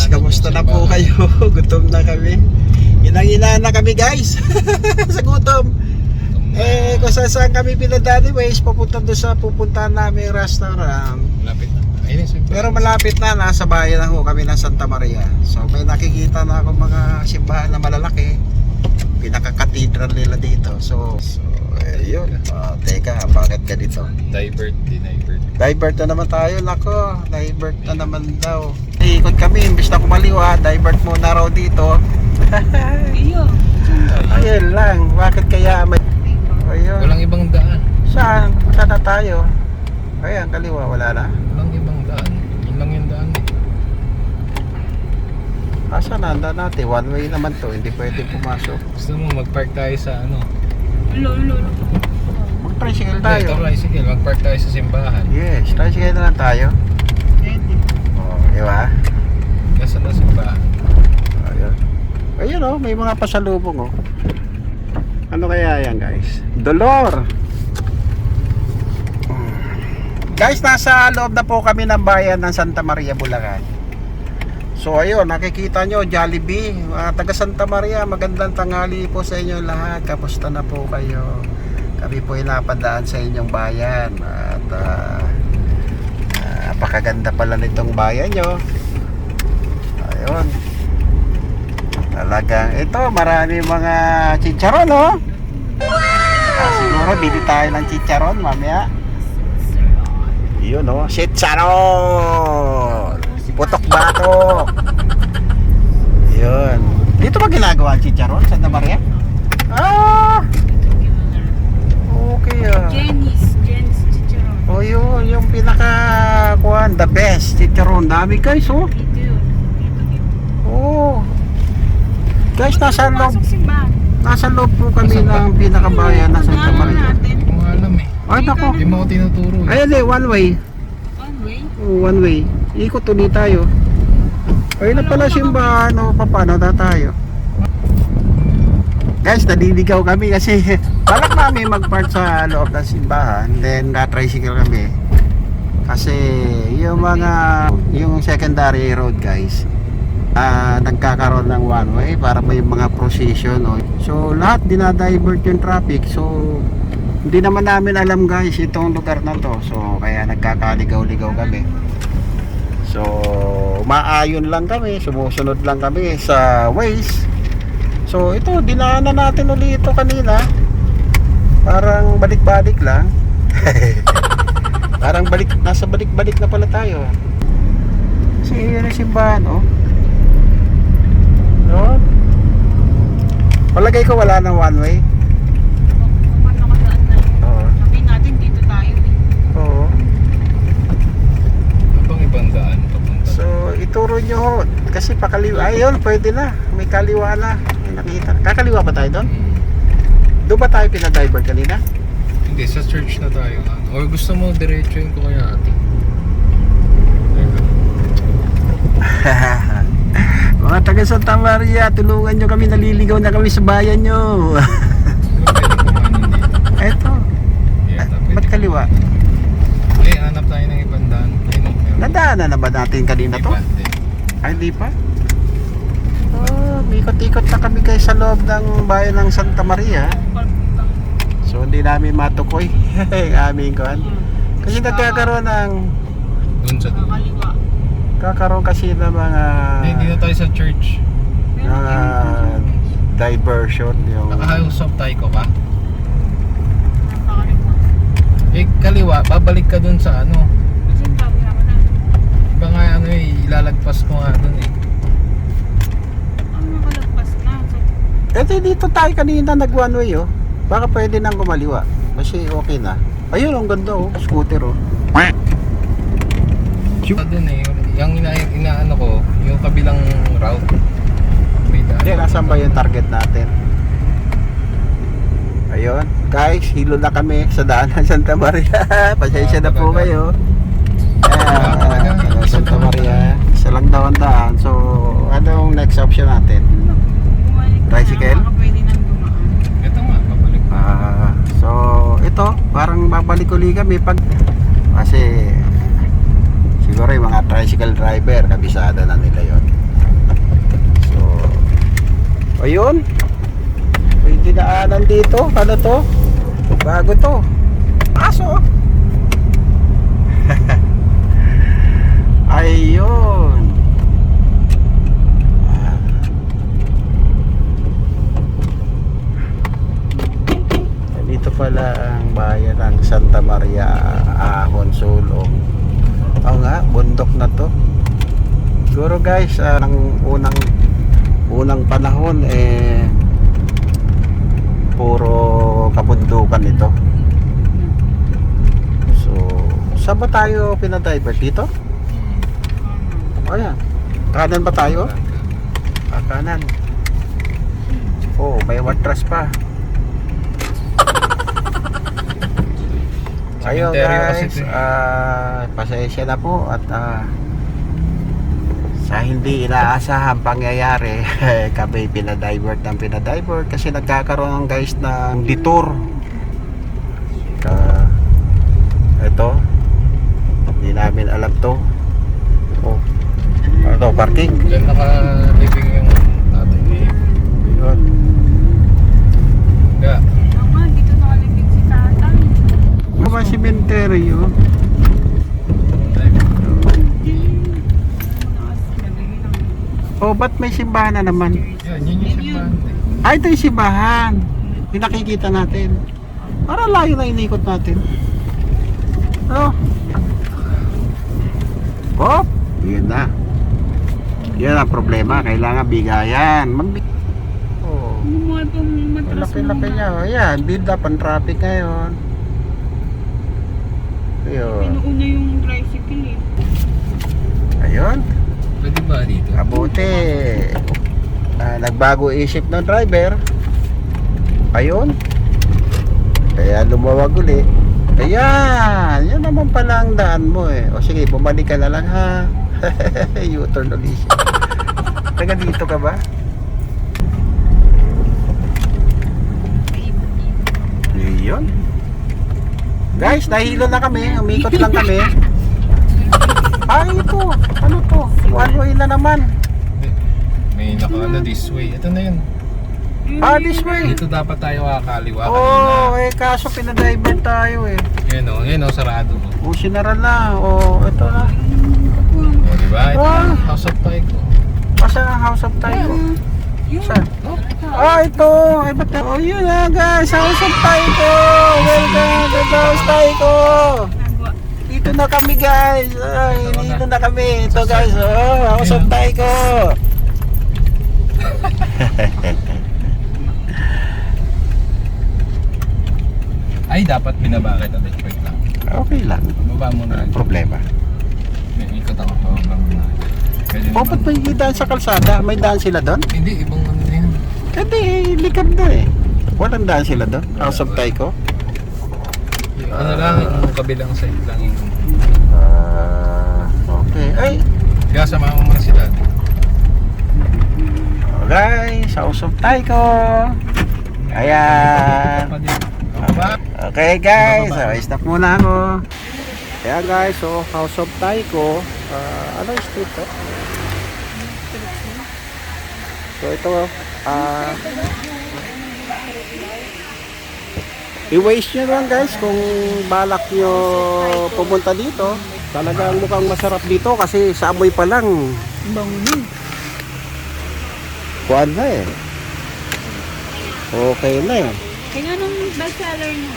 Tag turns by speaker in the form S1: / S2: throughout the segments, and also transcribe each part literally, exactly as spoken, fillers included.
S1: guys, kamusta na po kayo? Gutom na kami. Inang-ina na kami guys. Sa gutom. Eh, kung saan saan kami pinadali ways, papunta doon sa pupuntahan namin restaurant.
S2: Malapit na. Ayun, simbahan.
S1: Pero malapit na, nasa bayan na ho kami ng Santa Maria. So may nakikita na ako mga simbahan na malalaki. Pinaka-cathedral nila dito. So, so ayun. Oh, teka, bakit ka dito?
S2: Divert, dinivert.
S1: Divert na naman tayo, nako. Divert na naman daw. Ikot kami, imbis na kumaliwa, divert muna raw dito.
S3: Iyo.
S1: Ayun lang, bakit kaya may... Ayun.
S2: Walang ibang daan.
S1: Saan? Saan na tayo? Ayan, kaliwa, wala na.
S2: Walang ibang daan. Yun lang yung daan eh.
S1: Asa na, handa natin. One way naman to, hindi pwede pumasok.
S2: Gusto mo mag-park tayo sa ano?
S3: Lolo, lolo.
S1: Mag-tricycle
S2: Ito,
S1: tayo.
S2: tricycle. Mag-park tayo sa simbahan.
S1: Yes, tricycle na lang tayo.
S3: Pwede.
S1: Oh, di ba?
S2: Nasaan na simbahan?
S1: Ayun. Ayun oh, may mga pasalubong oh. Ano kaya yan guys? Dolor! Guys, nasa loob na po kami ng bayan ng Santa Maria, Bulacan. So ayun, nakikita nyo, Jollibee, uh, taga Santa Maria, magandang tanghali po sa inyo lahat. Kamusta na po kayo? Kami po ay napadaan sa inyong bayan. At uh, uh, napakaganda pala nitong bayan nyo. Ayun. Talagang ito, marami mga chicharon, no? Ah, siguro bili tayo ng chicharon mamaya. Yun, no? Chicharon! Putok bato! Yun. Dito ba ginagawa ang chicharon, Santa Maria? Ah! Okay, ah.
S3: Jenny's, Jenny's chicharon.
S1: Oh, yun. Yung pinaka, kuhan, the best chicharon. Dami guys, oh.
S3: Dito yun. Dito, dito.
S1: Oh. Guys, nasa loob,
S3: Pumasok simbahan.
S1: nasa loob po kami ng pinakabayan ng Santa
S3: Ano
S1: Maria.
S3: natin?
S2: Hindi ko nga alam eh.
S1: Ay, nako.
S2: Hindi mo ako tinuturo eh.
S1: Ayun eh, one way.
S3: One way?
S1: Oh, one way. Ikot ulit tayo. Ayun na pala simbahan. O, paano na tayo? Guys, naliligaw kami kasi balak namin mag-park sa loob ng simbahan. Then, na-tricycle kami. Kasi, yung mga, yung secondary road guys, Uh, nagkakaroon ng one way para may mga procession, no? So lahat dinadivert yung traffic. So hindi naman namin alam guys itong lugar na to. So kaya nagkakaligaw-ligaw kami. So maayon lang kami, sumusunod lang kami sa ways. So ito, dinaanan natin ulit ito kanina. Parang balik-balik lang. Parang balik, nasa balik-balik na pala tayo. Kasi yun ang simbahan, oh. No? Palagay ko wala ng one way.
S3: Kung ano nakadaan na.
S1: Oo.
S3: Sabihin natin dito tayo eh.
S1: Oo.
S2: Ano bang ibang daan papunta?
S1: So ituro nyo ho. Kasi pakaliwa. Ayun, pwede na. May kaliwa na. May nakita. Kakaliwa ba tayo doon?
S2: Hmm.
S1: Doon ba tayo pinadivert kanina?
S2: Hindi, sa church na tayo. Or gusto mo diretsuin ko kaya ate?
S1: Mga taga Santa Maria, tulungan nyo kami. Naliligaw na kami sa bayan nyo. Eto.
S2: Yeah,
S1: Ba't kaliwa?
S2: Eh, hanap tayo ng ibang daan. Ayun, meron.
S1: Nadaanan na ba natin kanina
S2: Hindi
S1: to?
S2: pa, hindi.
S1: Ay, hindi pa? Oh, ikot-ikot na kami guys sa loob ng bayan ng Santa Maria. So, hindi namin matukoy ang aming kuhan. Kasi nagkakaroon ng
S2: Doon sa doon.
S3: Kaliwa.
S1: kakaroon kasi ng mga
S2: Hindi, dito tayo sa church.
S1: mga diversion yung
S2: Naka-house of tayo ko ba?
S3: Nakakaliwa.
S2: Eh, kaliwa, babalik ka dun sa ano.
S3: Simbahan naman na.
S2: Iba nga ano eh, ilalagpas ko nga dun eh.
S3: Ang nakalagpas na. So,
S1: eh dito tayo kanina nag one way oh. Baka pwede nang kumaliwa kasi okay na. Ayun, ang ganda oh, scooter oh.
S2: Sa dun eh, yung ina inaano ko, yung kabilang route. May daan.
S1: Hindi, nasaan ba yung target natin? Ayun, guys, hilo na kami sa daan ng Santa Maria. Pasensya na po kayo. Ah, Santa Maria, isa lang daw ang daan. So, anong next option natin?
S3: bumalik na.
S1: Tricycle?
S3: Baka pwede nang dumaan.
S2: Ito nga, pabalik.
S1: Ah, so, ito, parang babalik uli kami pag kasi siguro yung mga tricycle driver, kabisado na nila yon. Ayun. May dinaanan dito. Ano to? Bago to. Aso. Ayun. Ah. Dito pala ang bayan ng Santa Maria Ahon Sulong. Oo nga, bundok na to. Siguro guys, uh, ng unang unang panahon eh puro kabundukan ito. So, saan ba tayo pinadivert dito? O yan. Kanan ba tayo? Ah, kanan. Oh, may watras pa. Ayun guys, ah, pasensya na po at ah, sa hindi inaasahang pangyayari kami pinadivert ng pinadivert kasi nagkakaroon guys ng detour. Uh, ito hindi namin alam to. Oh, ano to, parking?
S2: Diyan naka-living yung tatay ni
S1: Yun.
S2: Kaya,
S3: Mama, dito nakalibig si tatay.
S1: Ano ba cemetery yun? Oh, ba't may simbahan na naman?
S2: yun, yun yung simbahan.
S1: Ah, ito yung simbahan. Yung nakikita natin. Para layo na inikot natin. Oh. Oh, yun na. Yan ang problema. Kailangan bigayan. Mag oh.
S3: Ano mo itong matras
S1: Laki-laki niya. Oh, yan. Build up ang traffic ngayon. Ayun.
S3: Pinuuna yung tricycle eh.
S1: Ayun.
S2: Pwede ba dito?
S1: Kabuti. Ah, nagbago isip ng driver. Ayun. Kaya lumawag uli. Ayan. Yan naman pala ang daan mo eh. O sige, bumalik ka na lang ha. U-turn ulit siya. Taga dito ka ba? Yun. Guys, nahilo na kami. Umikot lang kami. Ah, ito. Ano to? One way na naman.
S2: May naka-ano this way. Ito na yun.
S1: Ah, this way.
S2: Dito dapat tayo kakaliwa
S1: Oh,
S2: kanina.
S1: eh kaso pinadriver tayo eh.
S2: Yan o, yan o, sarado o.
S1: O, sinara na. O, ito na.
S2: O, diba? Ito
S1: Ah.
S2: yung house of Taiko.
S1: Asan ang House of Taiko?
S3: Yun.
S1: Saan? Ah, ito. Ay, ba't na? Oh, yun na guys. House of Taiko. Welcome to the House Taiko.
S3: Nagwa.
S1: Dito na kami guys. Ay, dito na kami. Ito guys. Oh, House of Taiko.
S2: Ay, dapat binaba kita. Wait lang.
S1: Okay lang.
S2: Baba mo na.
S1: Walang problema.
S2: May ikot ako. Baba mo na. Pwede
S1: O,
S2: naman.
S1: ba't may daan sa kalsada? May daan sila doon?
S2: Hindi, ibang ano na yun.
S1: Hindi, likod na eh. Walang daan sila doon? House of Taiko?
S2: Yung Ano lang, yung kabilang side lang yung...
S1: Ah, okay. Ay,
S2: Kaya samahan mo muna sila.
S1: guys, House of Taiko. Ayan.
S2: Baba.
S1: Okay guys, so, stop muna ako. Ayan guys, so House of Taiko. Uh, ano yung street to? So ito, ah... i-waste nyo lang guys kung balak nyo pumunta dito. Talagang mukhang masarap dito kasi sa amoy pa lang.
S3: Bango na.
S1: Kuhan na eh. Okay na eh.
S3: Kaya nung bestseller niya.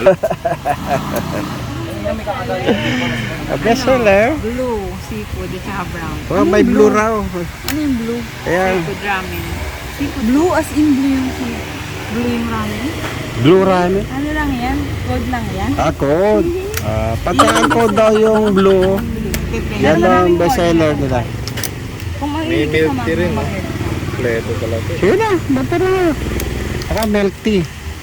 S1: A bestseller.
S3: Blue seafood at saka brown.
S1: Oh, may blue raw.
S3: Ano yung blue?
S1: Ayan.
S3: Seafood ramen. Seafood. Blue as in blue yung seafood. Blue yung ramen.
S1: Blue ramen.
S3: Ano lang yan? Code lang yan?
S1: Ah, code. Ah, pati ang code daw yung blue.
S3: Blue.
S1: Yan ang bestseller nila.
S3: Kung
S2: May
S3: mahilig
S2: milk
S3: ka
S2: tea rin, no?
S3: mag-
S2: Pleto pala ito.
S1: Sige na, bata na. Saka milk tea.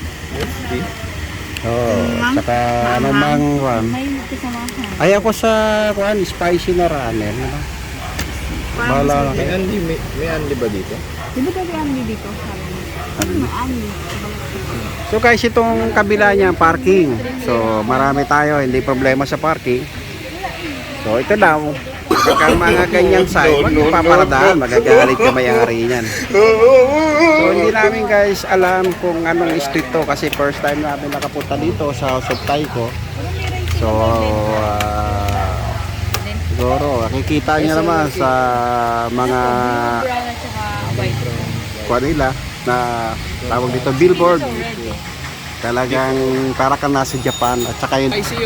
S1: Oo,
S3: Mang-
S1: saka ano mang kwan.
S3: May kasama ka.
S1: Ay ako sa kwan, spicy na ramen. Ano? Bahala na
S2: May
S1: kayo.
S2: Andy, may, may Andy ba dito?
S3: Di ba tayo Andy dito? Ano na Andy?
S1: So guys, itong kabila niya parking. So marami tayo, hindi problema sa parking. So ito daw. Pagka mga ganyan side, huwag niyo paparadaan, magagalit ka may-ari niyan. So hindi namin guys alam kung anong street to kasi first time namin nakapunta dito sa House of Taiko. So ah, siguro nakikita niyo naman sa mga kuha nila na tawag dito billboard. Talagang para ka nasa Japan at saka yun.
S2: Ay, si yun.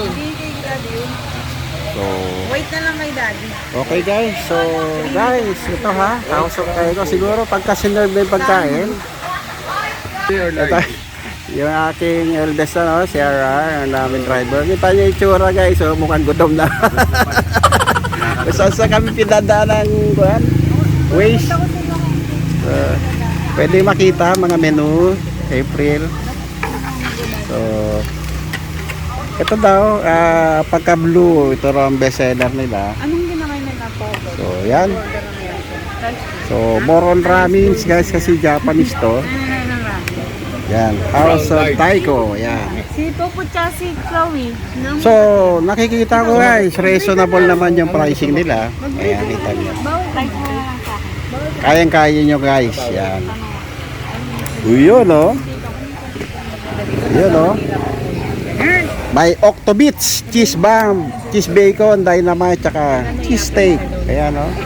S1: So
S3: Wait na lang kay daddy.
S1: okay guys, so guys, ito ha, House of Taiko. Siguro pagka sinerve na yung pagkain, ito, yung aking eldest ano, si R R, ang namin driver. Kita niyo yung tsura guys, so mukhang gutom na. Saan sa kami pinadaan ng kuhan? Waste. So, pwede makita mga menu, April. So, ito daw, ah, pagka blue, ito raw ang best seller nila.
S3: Anong ginakain nila po?
S1: So, yan. So, more on ramens guys kasi Japanese to. Yan, House of Taiko. Yan.
S3: Si Popo tsaka si Chloe. Nang-
S1: So, nakikita ko guys, reasonable naman yung pricing nila. Ayan, kita niyo.
S3: Bawal tayo sa akin.
S1: Kayang-kaya nyo guys. Yan. Uy, yun oh. Yun oh. May Octobits, cheese bomb, cheese bacon, dynamite, tsaka cheese steak. Ayan oh.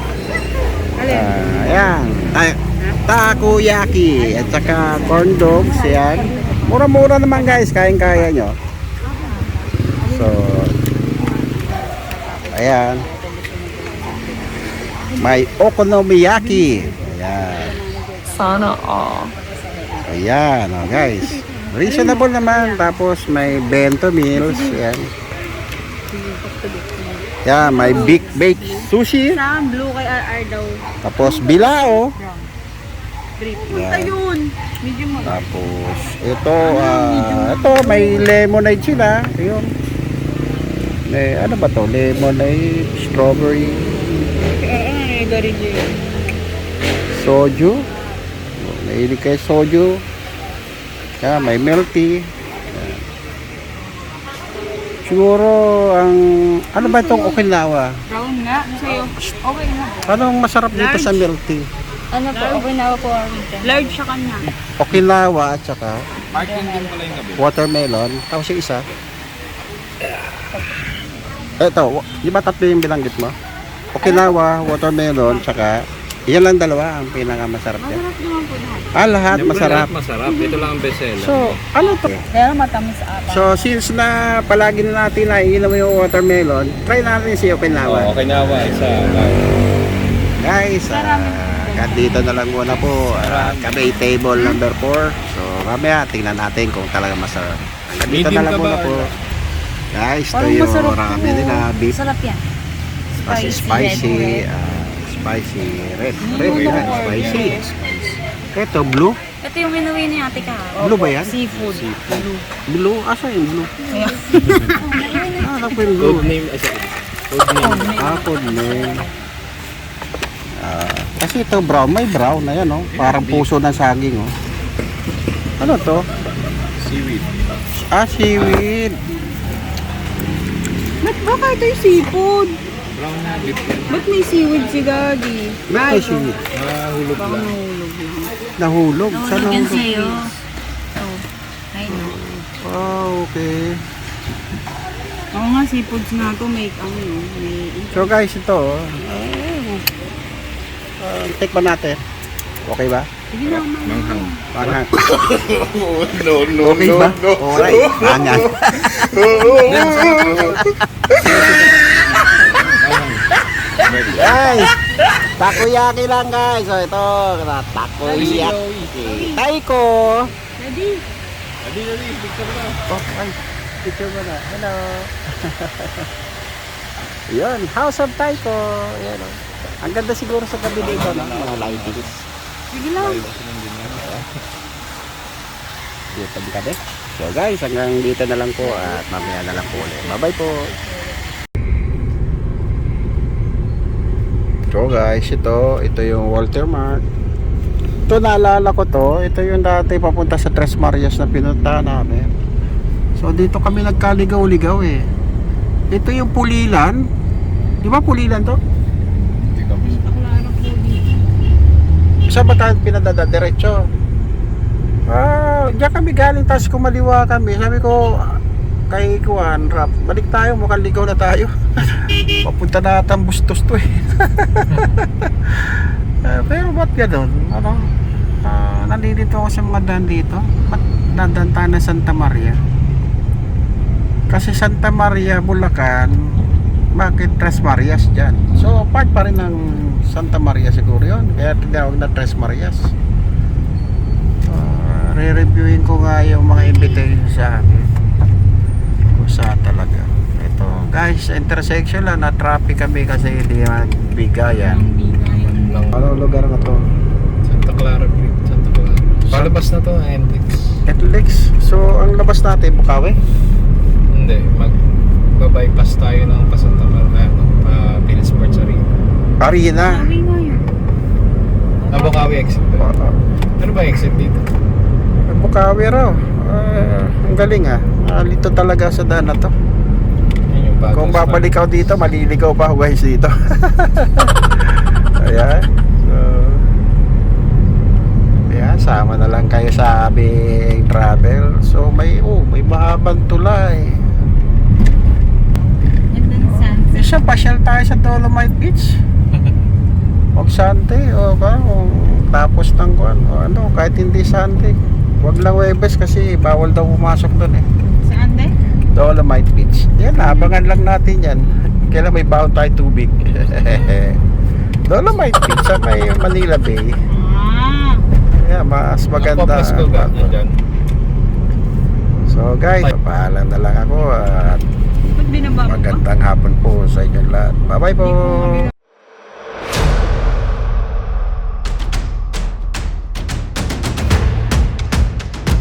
S1: Ah, ayan. Ta- takoyaki at saka corn dogs. Ayan. Mura-mura naman guys, kayang-kaya nyo. So, ayan. May okonomiyaki. Ayan.
S3: Sana all.
S1: Ayan, oh guys. Reasonable naman. Tapos may bento meals. Ayan. Yan, may big bake sushi.
S3: Sa blue kay R R daw.
S1: Tapos bilao.
S3: Grape. Punta
S1: Yan.
S3: yun. Medyo mag-
S1: Tapos ito, ah, ito may lemonade sila. Ayun. May ano ba to? Lemonade, strawberry,
S3: Eh, eh, very good.
S1: soju. Mahilig kayo soju. Yan, may milk tea. Yan. Siguro ang ano ba itong Okinawa?
S3: Brown nga. Sa'yo. Okay na.
S1: Anong masarap dito sa milk tea?
S3: Ano po? Okay na po. Large sa kanya.
S1: Okinawa at saka
S2: Martin din pala yung gabi.
S1: watermelon. Tapos yung isa. Ito, wa- di ba tatlo yung binanggit mo? Okinawa, watermelon, saka yan lang dalawa ang pinakamasarap yan.
S3: Masarap naman po lahat.
S1: Ah, lahat
S2: Siyempre,
S1: masarap.
S2: lahat masarap. Ito lang ang bestseller.
S1: So, ano to?
S3: Pero matamis ata.
S1: So, since na palagi na natin naiinom yung watermelon, try natin si Okinawa.
S2: okay na ba? Isa.
S1: Guys, ah, hanggang dito na lang muna po. Ah, kami table number four. So, mamaya tingnan natin kung talaga masarap. Hanggang dito
S2: Medium
S1: na lang
S2: ka ba?
S1: muna po. Guys, ito
S3: Parang
S1: yung
S3: masarap
S1: ramen
S3: po.
S1: nila. Beef,
S3: Sarap yan.
S1: kasi
S3: Spicy,
S1: spicy,
S3: red, red.
S1: ah, spicy red.
S3: Mm,
S1: Red yan,
S3: red.
S1: spicy. Ito, blue.
S3: Ito yung inuwi ni ate ka.
S1: Blue ba yan?
S3: Seafood. Blue.
S1: Blue? Asa yung blue?
S3: Ayan.
S1: Ah, alam ko yung blue.
S2: Code name. Ay, sorry. Code name.
S1: Ah, code name. Ah, kasi ito brown, may brown na yan, oh. Parang puso ng saging, oh. Ano to?
S2: Seaweed.
S1: Ah, seaweed.
S3: Ba't baka ito yung seafood?
S2: Brown na beef yan.
S3: Ba't may seaweed si Daddy?
S1: May seaweed.
S2: Nahulog
S3: Baka
S2: lang.
S3: nahulog lang.
S1: Nahulog. Saan
S3: Nahulog yan
S1: nahulog?
S3: sa'yo. Oh, ayun.
S1: Ah, okay.
S3: Oo nga, seafoods nga to. May, ano, may...
S1: So guys, ito, oh. Ah, take ba natin? Okay ba?
S3: Sige na, mama.
S2: Manghang.
S1: Manghang.
S2: no, no,
S1: Okay ba? Alright. Manghang. Guys, takoyaki lang guys. So ito, takoyaki. Taiko.
S3: Daddy.
S2: Adi, adi. Picture na.
S1: Oh, ay, picture mo na. Hello. Yun, House of Taiko. Yan, oh. Ang ganda siguro sa gabi dito, no? Mga lightings.
S3: Sige lang.
S1: Dito tabi kami. So guys, hanggang dito na lang po at mamaya na lang po ulit. Bye-bye po. So guys, ito, ito yung Walter Mart. Ito naalala ko to, ito yung dati papunta sa Tres Marias na pinunta namin. So dito kami nagkaligaw-ligaw eh. Ito yung Pulilan. Di ba Pulilan to?
S2: Hindi kami.
S3: Santa Clara po dito.
S1: Saan ba tayo pinadada? Diretso. Ah, diyan kami galing, tapos kumaliwa kami. Sabi ko kay Kuan, Rap, balik tayo, mukhang ligaw na tayo. Papunta na atang bustos to eh. Eh, pero ba't ganun? Ano? Ah, nalilito ako sa mga daan dito. Ba't dadaan tayo ng Santa Maria? Kasi Santa Maria, Bulacan, bakit Tres Marias dyan? So, part pa rin ng Santa Maria siguro yun. Kaya tinawag na Tres Marias. Uh, re-reviewin ko nga yung mga invitation sa akin. Kung saan talaga. Ito, guys, intersection lang. Na-traffic kami kasi hindi magbigayan.
S3: Ang bigayan.
S2: Lang.
S1: Anong lugar na to?
S2: Santa Clara Bridge. Santa Clara. Palabas na to, N D X.
S1: Etlex. So, ang labas natin, Bukawi?
S2: Hindi, mag-bypass tayo ng Pasanta Clara, ano, uh, Philips Sports Arena.
S1: Arena.
S3: Sabi nga yun.
S2: Ah, Bukawi exit ba?
S1: Uh,
S2: Ano ba exit dito?
S1: Bukawi raw. Ah, ang galing ah. Alito talaga sa daan na to.
S2: Yan yung bago.
S1: Kung babalik ako dito, maliligaw pa ako guys dito. Ayan. So, ayan, sama na lang kayo sa aming travel. So, may, oh, may mahabang tulay.
S3: And then sunset.
S1: Isa, pasyal tayo sa Dolomite Beach. Huwag Sunday, o ba? O, tapos ng kuan, o ano, kahit hindi Sunday. Huwag lang Webes kasi bawal daw pumasok doon eh.
S3: Saan din?
S1: Dolomite Beach. Yan, abangan lang natin yan. Kailan may baon tayo tubig. Dolomite Beach sa may Manila Bay.
S3: Ah.
S1: Yeah, mas maganda.
S2: Ang Poplas ko ba? Nandyan.
S1: So guys, paalam na lang ako at
S3: Ba't binababa pa?
S1: magandang hapon po sa inyo lahat. Bye bye po.
S3: Hindi po